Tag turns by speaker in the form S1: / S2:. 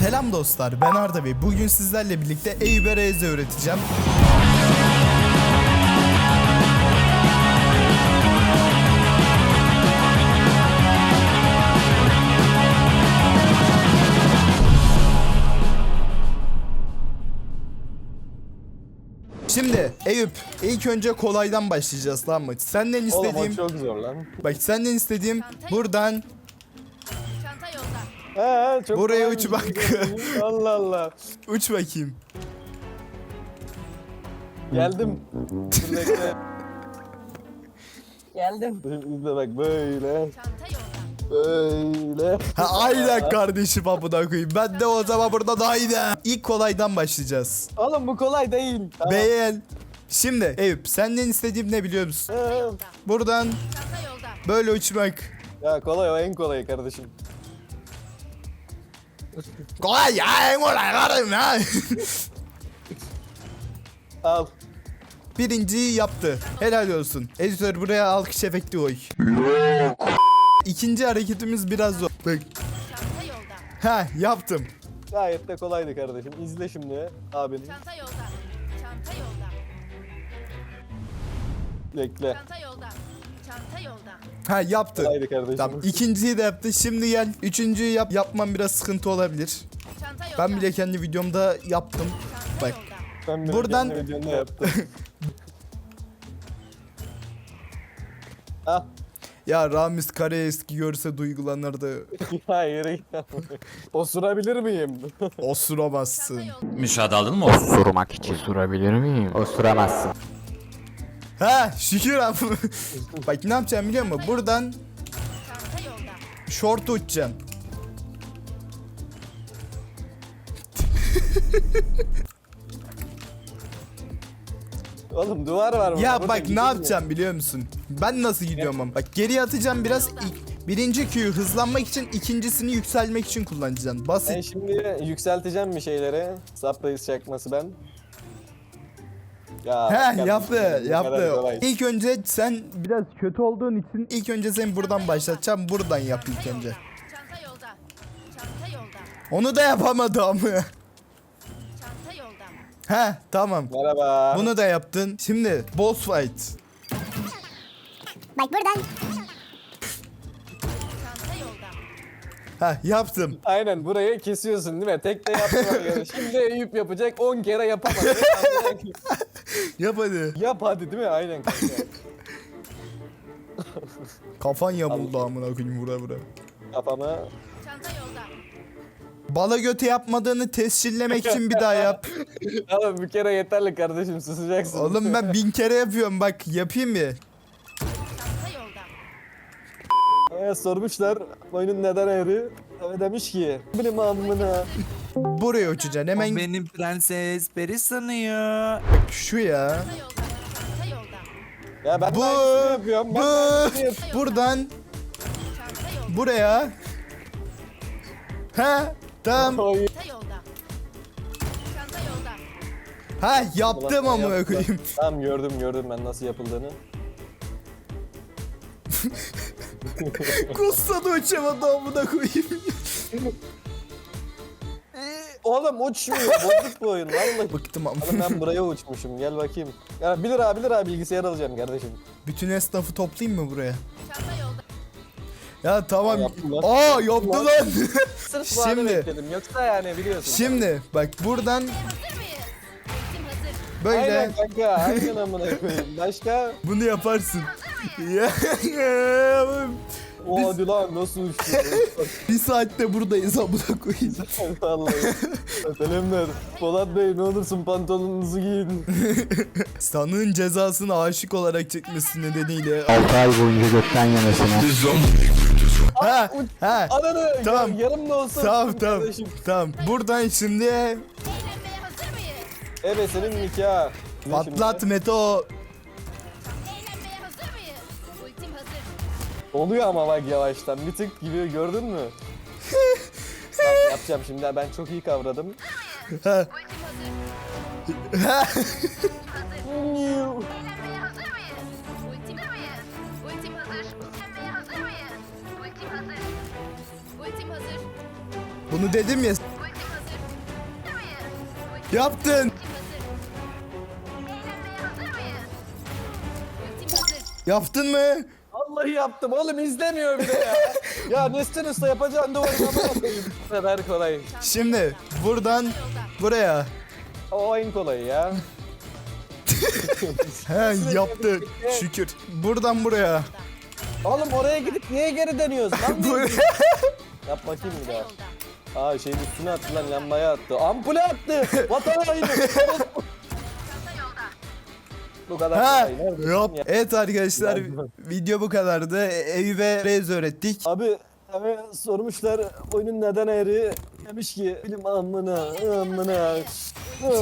S1: Selam dostlar, ben Arda Bey. Bugün sizlerle birlikte Eyüp'e Reze öğreteceğim. Şimdi Eyüp, ilk önce kolaydan başlayacağız, tamam mı? Senden istediğim...
S2: Oğlum o çok zor lan.
S1: Bak senden istediğim buradan
S3: Çanta yolda.
S2: Çok
S1: buraya
S2: kolay bir
S1: uç bak.
S2: şey. Allah Allah.
S1: Uç bakayım.
S2: Geldim. Dur bekle.
S3: Geldim.
S2: İzle bak böyle.
S3: Çanta yolda.
S2: Böyle.
S1: Ha, aynen kardeşim, amına koyayım. Ben de o zaman burada daha iyi de. İlk kolaydan başlayacağız.
S2: Oğlum bu kolay değil. Tamam.
S1: Beğen. Şimdi Eyüp, senden istediğim ne biliyor musun?
S3: Yolda.
S1: Buradan
S3: Çanta yolda.
S1: böyle uçmak.
S2: Ya kolay, o en kolayı kardeşim.
S1: Kolay ya, en kolay kardeşim ya.
S2: Al.
S1: Birinciyi yaptı. Helal olsun. Editör buraya alkış efekti koy. İkinci hareketimiz biraz zor. Bak.
S3: Çanta yolda.
S1: Ha, yaptım.
S2: Gayet de kolaydı kardeşim. İzle şimdi abini.
S3: Çanta yolda. Çanta yolda.
S2: Bekle.
S3: Çanta yolda. Çanta yolda.
S1: Ha, yaptı.
S2: Kolaydı kardeşim.
S1: Tamam, ikinciyi de yaptı. Şimdi gel. Üçüncüyü yap. Yapmam biraz sıkıntı olabilir.
S3: Çanta yolda.
S1: Ben bile kendi videomda yaptım.
S3: Çanta
S1: Bak.
S3: yolda.
S2: Ben
S1: buradan-
S2: kendi videomda yaptım. Al.
S1: Ya Ramiz Kare eski görse duygulanırdı.
S2: Hayır. Osurabilir miyim?
S1: Osuramazsın.
S4: Müsaade aldın mı?
S5: Osurmak için. Osurabilir miyim? Osuramazsın.
S1: Ha, şükür abi. Bak ne yapacağım biliyor musun? Buradan
S3: Çanta yolda.
S1: short uçacağım.
S2: Oğlum duvar var burada.
S1: Ya
S2: Burada
S1: bak ne
S2: gidilmiyor.
S1: yapacağım biliyor musun? Ben nasıl gidiyorum ama. Bak geriye atacağım biraz. Birinci Q'yu hızlanmak için, ikincisini yükselmek için kullanacağım.
S2: Ben
S1: Basit.
S2: şimdi yükselteceğim bir şeyleri. Surprise çakması ben. Ya
S1: He,
S2: bak
S1: yaptı
S2: kardeşim, bu kadar
S1: yaptı.
S2: kolay.
S1: İlk önce sen biraz kötü olduğun için ilk önce seni buradan başlatacağım. Buradan yap ilk önce.
S3: Çanta yolda. Çanta yolda.
S1: Onu da yapamadım.
S3: Çanta yolda.
S1: He, tamam.
S2: Merhaba.
S1: Bunu da yaptın. Şimdi boss fight.
S6: Bak buradan
S3: Çanta yolda.
S1: Ha, yaptım.
S2: Aynen burayı kesiyorsun değil mi? Tek de yapma. Yani. Şimdi Eyüp yapacak 10 kere yapamadı.
S1: Yap hadi.
S2: Yap hadi değil mi? Aynen kanka.
S1: Kafan yamuldu amına koyayım, vura vura.
S2: Kafama.
S3: Çanta yolda.
S1: Bala götü yapmadığını tescillemek için bir daha yap.
S2: Oğlum bir kere yeterli kardeşim, susacaksın.
S1: Oğlum ben 1000 kere yapıyorum, bak yapayım mı?
S3: Çanta yolda.
S2: Sormuşlar oyunun neden ayrı? Demiş ki benim amına.
S1: Buraya uçacaksın hemen.
S4: Benim prenses peri sanıyor.
S1: Şu ya.
S3: Çanta yolda. Çanta yolda.
S2: Ya ben
S1: Bu,
S2: de aynısını yapıyorum. Ben
S1: bu,
S2: de aynısını yapıyorum.
S1: buradan
S3: Çanta yolda.
S1: buraya. Ha, tamam.
S2: Oy.
S3: Çanta yolda. Çanta yolda.
S1: Ha, yaptım
S2: Ulan,
S1: amına
S2: yaptılar.
S1: koyayım.
S2: Tamam gördüm ben nasıl yapıldığını.
S1: Kusta da uçamadı amına koyayım.
S2: Oğlum uçmuyor. Bozuk bu oyun vallahi.
S1: Bıktım ama.
S2: Oğlum ben buraya uçmuşum. Gel bakayım. Ya 1 lira bilgisayar alacağım kardeşim.
S1: Bütün esnafı toplayayım mı buraya?
S3: Çanta yolda.
S1: Ya tamam.
S2: Yaptım lan.
S1: Aa, yaptı lan.
S2: Sırf bu anı
S1: Şimdi.
S2: bekledim. Yoksa yani biliyorsun.
S1: Şimdi bak buradan
S3: Hazır mıyız? Ultim hazır.
S1: böyle
S2: Aynen kanka. Aynen amına koyayım. Başka?
S1: bunu yaparsın. Ya,
S2: O hadi lan nasıl uçtu?
S1: bir saatte buradayız amına koyayım.
S2: Vallahi. Selamlar. Polat Bey ne olursun pantolonunuzu giyin.
S1: Sanığın cezasını aşık olarak çekmesi nedeniyle.
S5: 6 ay boyunca gökten yemesine.
S1: Ha, ha.
S2: Ananı
S1: Tamam.
S2: yarım da olsa
S1: Tamam
S2: uçsun
S1: tamam.
S2: kardeşim.
S1: Tamam. Buradan şimdi
S3: Eğlenmeye hazır mıyız?
S2: Evet senin nikah. Ne
S1: patlat
S2: şimdi?
S1: Meto.
S3: Eğlenmeye hazır mıyız? Ultim hazır.
S2: Oluyor ama bak yavaştan bir tık gibi gördün mü? Bak, yapacağım şimdi ben çok iyi kavradım.
S1: Ha.
S3: Ultim hazır. Eğlenmeye hazır mıyız? Ultim mıyız? Ultim hazır. Eğlenmeye hazır mıyız? Ultim hazır. Ultim hazır.
S1: Bunu dedim ya.
S3: Ultim hazır.
S1: Yaptın.
S3: Eğlenmeye hazır mıyız? Ultim hazır.
S1: Yaptın mı?
S2: Vallahi yaptım oğlum, izlemiyor bir de ya. Ya Nesrin Usta yapacağın duvarına bakayım. Bu kadar kolay.
S1: Şimdi buradan buraya.
S2: O en kolayı ya.
S1: He yaptı. Şükür. Buradan buraya.
S2: Oğlum oraya gidip niye geri dönüyoruz lan?
S1: Buraya.
S2: Yap bakayım bir daha.
S3: Yolda.
S2: Aa şeyin üstüne attı lan, lambaya attı. Ampule attı. Vatan haini. Bu kadar
S1: Ha,
S2: kolay. Neredesin
S1: yap.
S2: ya?
S1: Evet arkadaşlar,
S2: Yardım.
S1: video bu kadardı. Eyüp'e Rez öğrettik.
S2: Abi sormuşlar oyunun neden eğri? Demiş ki bilim amına.